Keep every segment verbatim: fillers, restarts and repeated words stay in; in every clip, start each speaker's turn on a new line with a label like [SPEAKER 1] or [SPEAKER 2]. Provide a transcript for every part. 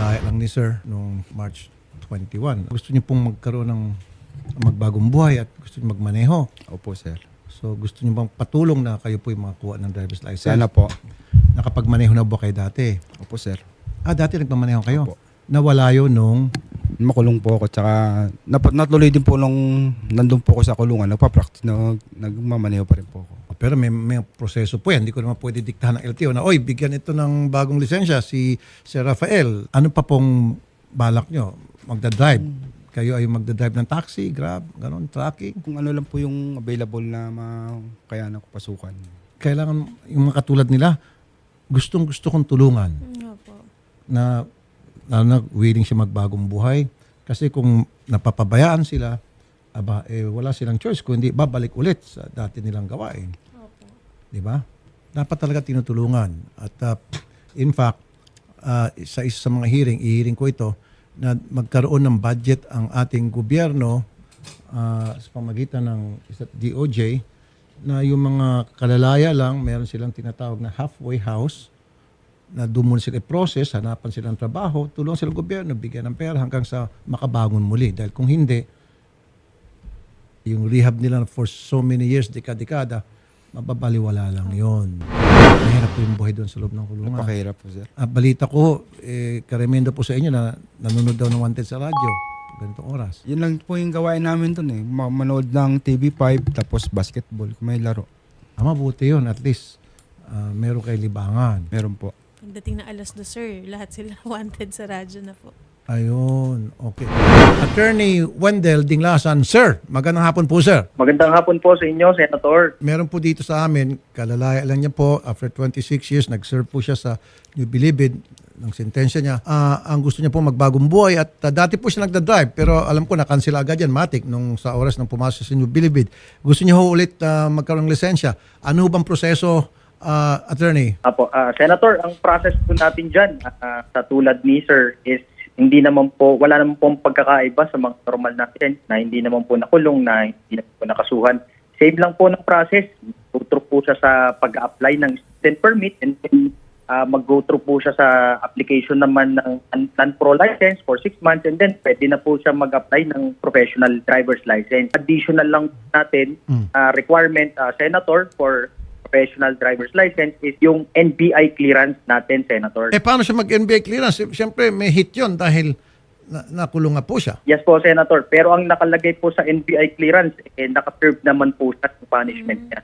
[SPEAKER 1] kalalaya lang ni Sir noong March twenty-one. Gusto niyo pong magkaroon ng magbagong buhay at gusto niyo magmaneho.
[SPEAKER 2] Opo, sir.
[SPEAKER 1] So gusto niyo bang patulong na kayo po yung makakuha ng driver's license?
[SPEAKER 2] Sana po.
[SPEAKER 1] Nakapagmaneho na ba kayo dati?
[SPEAKER 2] Opo, sir.
[SPEAKER 1] Ah, dati nagpamaneho kayo?
[SPEAKER 2] Opo.
[SPEAKER 1] Nawala yun nung...
[SPEAKER 2] Makulong po ako. Tsaka nap- natuloy din po nung nandun po ako sa kulungan. Nagpa-practice na nagmamaneho pa rin po ako.
[SPEAKER 1] Pero may, may proseso po yan. Hindi ko naman pwede diktahan ng L T O na, oy, bigyan ito ng bagong lisensya si Sir Rafael. Ano pa pong balak nyo? Magdadrive? Kayo ay magdadrive ng taxi, grab, ganon, tracking?
[SPEAKER 2] Kung ano lang po yung available na ma- kaya na ko pasukan.
[SPEAKER 1] Kailangan yung mga katulad nila, gustong gusto kong tulungan
[SPEAKER 3] Opo.
[SPEAKER 1] na, na, na willing siya magbagong buhay. Kasi kung napapabayaan sila, aba, eh, wala silang choice kung hindi babalik ulit sa dati nilang gawain.
[SPEAKER 3] Opo.
[SPEAKER 1] Di ba? Dapat talaga tinutulungan. At uh, in fact, uh, sa isa sa mga hearing, i-hearing ko ito, na magkaroon ng budget ang ating gobyerno uh, sa pamagitan ng isa't D O J na yung mga kalalaya lang, meron silang tinatawag na halfway house na doon muna sila i-process, hanapan silang trabaho, tulungan silang gobyerno, bigyan ng pera hanggang sa makabangon muli. Dahil kung hindi, yung rehab nila for so many years, dekada-dekada, mababaliwala lang yon. Mahirap po yung buhay doon sa loob ng kulungan.
[SPEAKER 2] Napakahirap po, sir.
[SPEAKER 1] Ah, balita ko, eh, karemendo po sa inyo na nanonood daw ng Wanted sa radyo. Ganitong oras.
[SPEAKER 2] Yun lang po yung gawain namin dun eh. Ma- manood ng T V five tapos basketball kung may laro.
[SPEAKER 1] Ah, mabuti yun. At least, ah, meron kayo libangan.
[SPEAKER 2] Meron po.
[SPEAKER 3] Pagdating na alas dos, sir, lahat sila wanted sa radyo na po.
[SPEAKER 1] Ayun. Okay. Attorney Wendell Dinglasan. Sir, magandang hapon po, sir.
[SPEAKER 4] Magandang hapon po sa inyo, Senator.
[SPEAKER 1] Meron po dito sa amin, kalalaya lang niya po, after twenty-six years, nag-serve po siya sa New Bilibid ng sentensya niya. Ah, ang gusto niya po magbagong buhay at ah, dati po siya nagda-drive pero alam ko na-cancel agad yan, matik, nung sa oras ng pumasok sa New Bilibid. Gusto niya ho ulit ah, magkaroon ng lisensya. Ano ho bang proseso, ah, attorney?
[SPEAKER 4] Apo, ah, Senator, ang process po natin dyan, ah, sa tulad ni Sir, is hindi naman po, wala naman po pagkakaiba sa mga normal natin na hindi naman po nakulong, na hindi naman po nakasuhan. Same lang po ng process. Go through po siya sa pag-apply ng student permit and then uh, mag-go through po siya sa application naman ng non-pro license for six months and then pwede na po siya mag-apply ng professional driver's license. Additional lang natin uh, requirement, uh, Senator, for professional driver's license is yung N B I clearance natin, Senator.
[SPEAKER 1] Eh, paano siya mag-N B I clearance? Siyempre, may hit yun dahil na nakulong nga po siya.
[SPEAKER 4] Yes po, Senator. Pero ang nakalagay po sa N B I clearance, eh, nakaserve naman po sa punishment niya.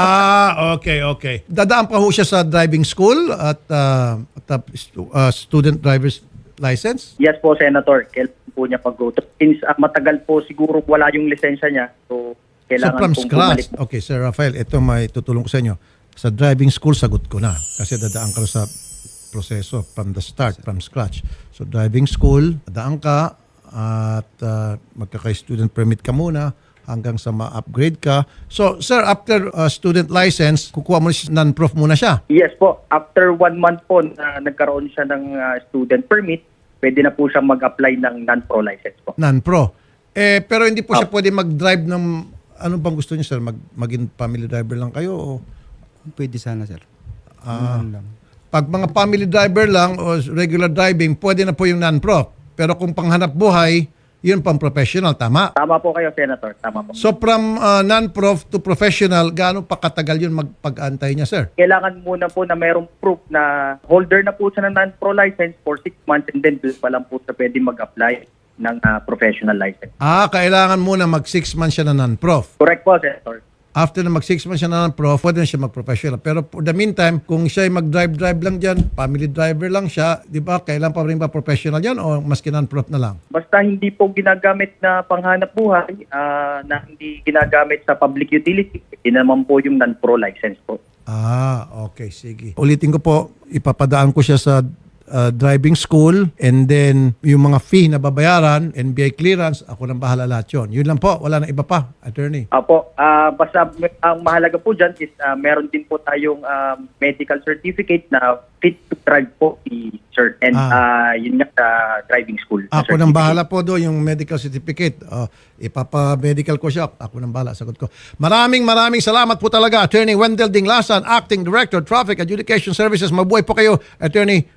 [SPEAKER 1] Ah, okay, okay. Dadaan pa ho siya sa driving school at, uh, at uh, student driver's license?
[SPEAKER 4] Yes po, Senator. Kailangan po niya pag-go through. Since uh, matagal po siguro wala yung lisensya niya, so
[SPEAKER 1] So
[SPEAKER 4] kailangan
[SPEAKER 1] from
[SPEAKER 4] pong
[SPEAKER 1] scratch.
[SPEAKER 4] bumalik po.
[SPEAKER 1] Okay, Sir Rafael, ito may tutulong ko sa inyo. Sa driving school, sagot ko na. Kasi dadaan ka sa proseso from the start, from scratch. So driving school, dadaan ka at uh, magkaka-student permit ka muna hanggang sa ma-upgrade ka. So, sir, after uh, student license, kukuha mo si non-prof muna siya.
[SPEAKER 4] Yes po. After one month po na nagkaroon siya ng uh, student permit, pwede na po siya mag-apply ng non-pro license po.
[SPEAKER 1] Non-pro. Eh, pero hindi po siya pwede mag-drive ng... Ano bang gusto niyo, sir? Mag, maging family driver lang kayo o...
[SPEAKER 2] Pwede sana, sir.
[SPEAKER 1] Ah.
[SPEAKER 2] Ano lang.
[SPEAKER 1] Pag mga family driver lang o regular driving, pwede na po yung non-pro. Pero kung panghanap buhay, yun pang professional, tama?
[SPEAKER 4] Tama po kayo, Senator. Tama po.
[SPEAKER 1] So from uh, non-prof to professional, gaano pa katagal yun magpag-antay niya, sir?
[SPEAKER 4] Kailangan muna po na mayroong proof na holder na po siya ng non-pro license for six months and then doon pa lang po siya pwede mag-apply ng uh, professional license.
[SPEAKER 1] Ah, kailangan muna mag six months siya na non-prof.
[SPEAKER 4] Correct po, Senator.
[SPEAKER 1] After na mag six months siya na non-prof, pwede na siya mag-professional. Pero for the meantime, kung siya ay mag-drive-drive lang dyan, family driver lang siya, di ba, kailan pa rin ba professional yan o maski non-prof na lang?
[SPEAKER 4] Basta hindi po ginagamit na panghanap buhay, ah, na hindi ginagamit sa public utility, yun naman po yung non-pro license po.
[SPEAKER 1] Ah, okay, sige. Ulitin ko po, ipapadaan ko siya sa uh, driving school and then yung mga fee na babayaran, N B I clearance, ako nang bahala lahat yun. Yun lang po, wala na iba pa, attorney.
[SPEAKER 4] Apo, ah, basta ang mahalaga po dyan is ah, meron din po tayong ah, medical certificate na fit to drive po si Sir. And
[SPEAKER 1] Ah.
[SPEAKER 4] ah, yun nga sa driving school. na
[SPEAKER 1] Ako nang
[SPEAKER 4] certificate.
[SPEAKER 1] bahala po do yung medical certificate. Uh, ipapa-medical ko siya. Ako nang bahala, sagot ko. Maraming maraming salamat po talaga, Attorney Wendell Dinglasan, Acting Director, Traffic Adjudication Services. Mabuhay po kayo, Attorney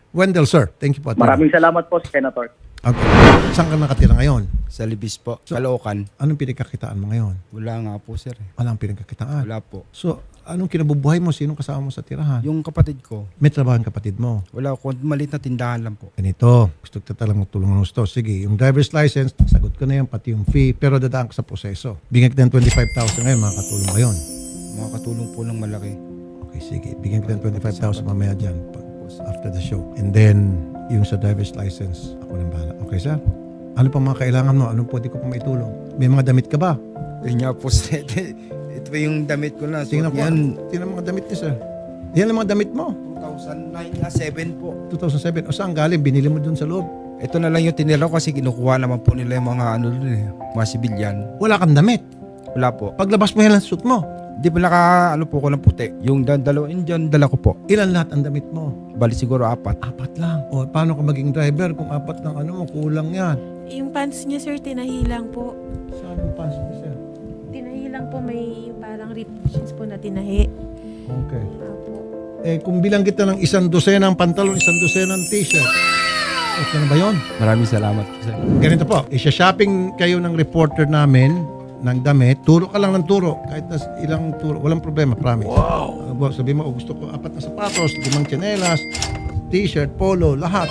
[SPEAKER 1] Wendell, sir. Thank you po. Attorney.
[SPEAKER 4] Maraming salamat po, Senator.
[SPEAKER 1] Okay. Saan ka nakatira ngayon?
[SPEAKER 2] Sa Libis po, Caloocan.
[SPEAKER 1] Anong pinagkakitaan mo ngayon?
[SPEAKER 2] Wala nga po sir eh.
[SPEAKER 1] Walang pinagkakitaan.
[SPEAKER 2] Wala po.
[SPEAKER 1] So, anong kinabubuhay mo? Sinong kasama mo sa tirahan?
[SPEAKER 2] Yung kapatid ko,
[SPEAKER 1] May trabaho ang kapatid mo.
[SPEAKER 2] wala ko, maliit na tindahan lang po.
[SPEAKER 1] Ganito, gusto ko talagang tulungan ng gusto. Sige, yung driver's license, sagot ko na yan, pati yung fee, pero dadaan ko sa proseso. Bigyan kita ng twenty-five thousand ngayon, makakatulong ngayon.
[SPEAKER 2] Makakatulong po ng malaki.
[SPEAKER 1] Okay, sige. Bigyan kita ng twenty-five thousand mamaya dyan pag, after the show. And then, yung sa driver's license, ako nang bahala. Okay, sir? Ano pa mga kailangan mo? Anong pwede ko pa maitulong? May mga damit ka ba?
[SPEAKER 2] Yun nga po sir. Ito yung damit ko na. So,
[SPEAKER 1] Tingnan ko.
[SPEAKER 2] yan,
[SPEAKER 1] Tingnan ang mga damit niya, sir. Yan ang mga damit mo.
[SPEAKER 2] two thousand nine na seven po.
[SPEAKER 1] two thousand seven. O saan galing? Binili mo dun sa loob.
[SPEAKER 2] Ito na lang yung tinira ko kasi kinukuha naman po nila yung mga ano dun eh, mga sibilyan.
[SPEAKER 1] Wala kang damit.
[SPEAKER 2] Wala po.
[SPEAKER 1] Paglabas mo yan ang suit mo.
[SPEAKER 2] Di ba naka ano po ko ng puti? Yung da- dalawa Indian dala ko po.
[SPEAKER 1] Ilan lahat ang damit mo?
[SPEAKER 2] Bali siguro apat.
[SPEAKER 1] Apat lang. O paano ka maging driver kung apat lang ano mo? Kulang yan.
[SPEAKER 3] Yung pants niya, sir, tinahilang po.
[SPEAKER 1] Saan yung pants mo, sir?
[SPEAKER 3] Tinahilang po, may parang rip jeans po na tinahi.
[SPEAKER 1] Okay.
[SPEAKER 3] Apo.
[SPEAKER 1] Eh kung bilang kita ng isang dosena ng pantalon, isang dosena ng t-shirt. Okay na ba yun?
[SPEAKER 2] Maraming salamat po sir.
[SPEAKER 1] Ganito po, isya-shopping kayo ng reporter namin ng damit, turo ka lang ng turo. Kahit na ilang turo, walang problema, promise. Wow! Uh, sabi mo, oh, gusto ko apat na sapatos, limang tsinelas, t-shirt, polo, lahat.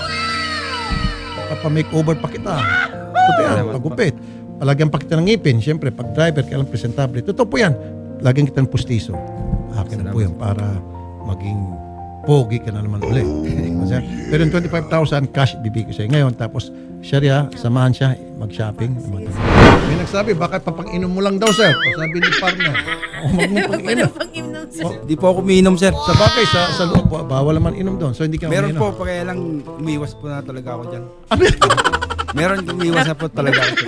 [SPEAKER 1] Papa-makeover pa kita. Totoo yan, pagupit. Palagyan pa kita ng ngipin. Siyempre, pag driver, kailang presentable. Totoo po yan. Lagyan kita ng pustiso. Akin na po yan para maging pogi ka na naman ulit. Kasi, pero yung twenty-five thousand cash bibigay ko sa'yo ngayon. Tapos, siya samahan siya mag-shopping. May nagsabi, bakit papang-inom mo lang daw, sir? O sabi ni partner, o mag mo pang-inom.
[SPEAKER 3] Pang-inom, sir.
[SPEAKER 1] O,
[SPEAKER 2] Di po ako umiinom sir.
[SPEAKER 1] sa bagay, sa, sa loob, po, bawal naman inom doon. So, hindi ka
[SPEAKER 2] Meron
[SPEAKER 1] umiinom.
[SPEAKER 2] po, pa kaya lang umiwas po na talaga ako dyan.
[SPEAKER 1] Ah, meron.
[SPEAKER 2] Meron umiwas na po talaga ako.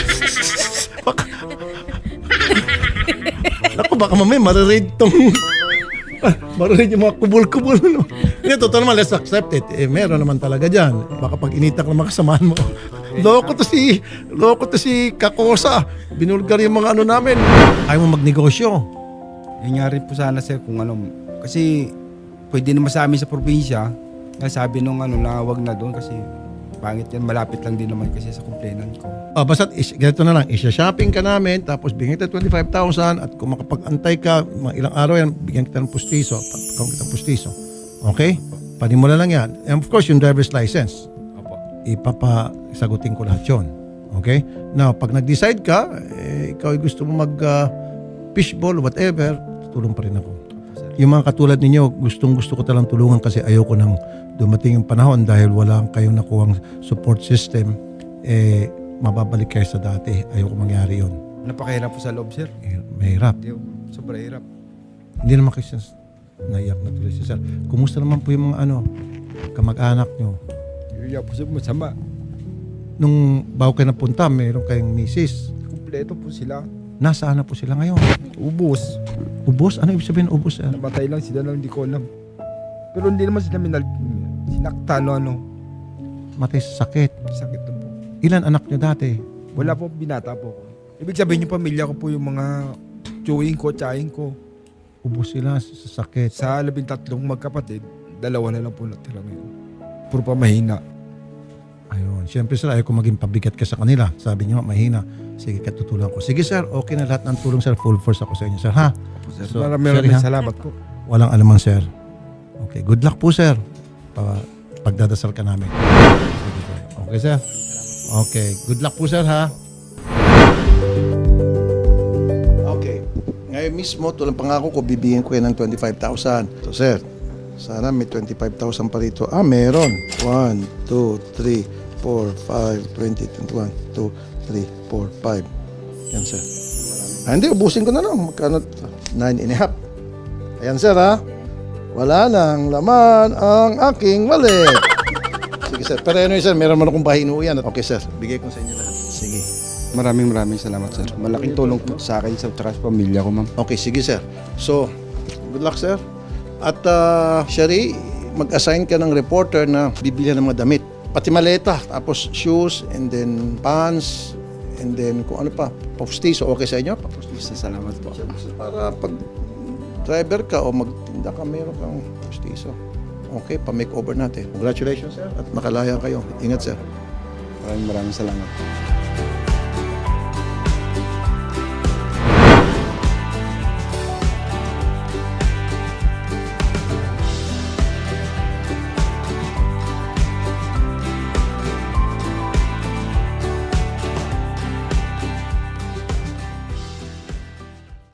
[SPEAKER 1] Naku, baka mamaya maririid tong... maririid yung mga kubul-kubul. No? Hindi, totoo naman, let's accept it. Eh, meron naman talaga dyan. Baka pag initak ng mga kasamahan mo. Loko to si... Loko to si Kakosa. Binulgar yung mga ano namin. Ayaw mo magnegosyo.
[SPEAKER 2] Yun nga rin po sana sir kung ano. Kasi pwede naman sa amin sa probinsya. Nga sabi nung ano na wag na doon kasi pangit yan. Malapit lang din naman kasi sa complainant ko.
[SPEAKER 1] Ah, basta is, ganito na lang, isya-shopping ka namin, tapos bigyan kita twenty-five thousand at kung makapag-antay ka, mga ilang araw yan, bigyan kita ng pustiso, pagkakaw kita ng pustiso. Okay? Panimula lang yan. And of course, yung driver's license,
[SPEAKER 2] Opo.
[SPEAKER 1] ipapasagutin ko lahat yun. Okay? Now, pag nag-decide ka, eh, ikaw ay gusto mo mag uh, fishball, whatever, tulong pa rin ako. Yung mga katulad ninyo, gustong gusto ko talang tulungan kasi ayoko nang dumating yung panahon dahil wala kayong nakuhang support system, eh, mababalik kayo sa dati. Ayoko mangyari yun.
[SPEAKER 2] Napakahirap po sa loob sir.
[SPEAKER 1] Eh, Mahirap.
[SPEAKER 2] Hindi, sobrang hirap.
[SPEAKER 1] Hindi naman kasi naiyak na tuloy si sir. Kumusta naman po yung mga ano, kamag-anak nyo?
[SPEAKER 2] Hirap po sir, masama.
[SPEAKER 1] Nung bago kayo napunta, meron kayong misis.
[SPEAKER 2] Kompleto po sila.
[SPEAKER 1] Nasaan na po sila ngayon?
[SPEAKER 2] Ubus.
[SPEAKER 1] Ubos? Ano ibig sabihin ubos, sir?
[SPEAKER 2] Namatay lang sila lang, hindi ko alam. Pero hindi naman sila minal... Sinakta no ano.
[SPEAKER 1] Matay sa sakit.
[SPEAKER 2] Sakit na po.
[SPEAKER 1] Ilan anak nyo dati?
[SPEAKER 2] Wala po, binata po ko. Ibig sabihin yung pamilya ko po yung mga chewing ko, tsahin ko.
[SPEAKER 1] Ubos sila sa sakit.
[SPEAKER 2] Sa labing tatlong magkapatid, dalawa na lang po natira ngayon. Puro pa mahina.
[SPEAKER 1] Ayun. Siyempre sir, ayaw ko maging pabigat ka sa kanila. Sabi niyo, mahina. Sige, katutulan ko. Sige sir, okay na lahat ng tulong sir. Full force ako sa inyo sir, ha?
[SPEAKER 2] Po, sir.
[SPEAKER 1] So,
[SPEAKER 2] Maraming
[SPEAKER 1] sir,
[SPEAKER 2] maraming
[SPEAKER 1] ha?
[SPEAKER 2] salamat po.
[SPEAKER 1] Walang alaman sir. Okay, good luck po sir. Pa pagdadasal ka namin. Sige, sir. Okay sir? Okay, good luck po sir, ha? Okay. Ngayon mismo, tulang pangako ko, bibigyan ko yan ng twenty-five thousand. So sir, sana may twenty-five thousand pa rito. Ah, meron. one, two, three, four, five, twenty, twenty-one, two, three, four, five. Yan sir. Ah, hindi, ubusin ko na lang. Magkano? nine and a half. Ayan sir, ha? Wala nang laman ang aking wallet. Sige sir. Pero ano yun sir, meron man akong pahinuyan. Okay sir, bigay ko sa inyo lahat. Sige.
[SPEAKER 2] Maraming maraming salamat sir. Malaking tulong po sa akin sa trust pamilya ko ma'am.
[SPEAKER 1] Okay, sige sir. So, good luck sir. At uh, Shari, mag-assign ka ng reporter na bibili ng mga damit. Pati maleta, tapos shoes, and then pants, and then kung ano pa, pustiso. Okay sa inyo? Pustiso.
[SPEAKER 2] Salamat po.
[SPEAKER 1] Para pag driver ka o magtinda ka, meron kang pustiso. Okay, pa-makeover natin. Congratulations, sir. At makalaya kayo. Ingat, sir.
[SPEAKER 2] Maraming maraming salamat.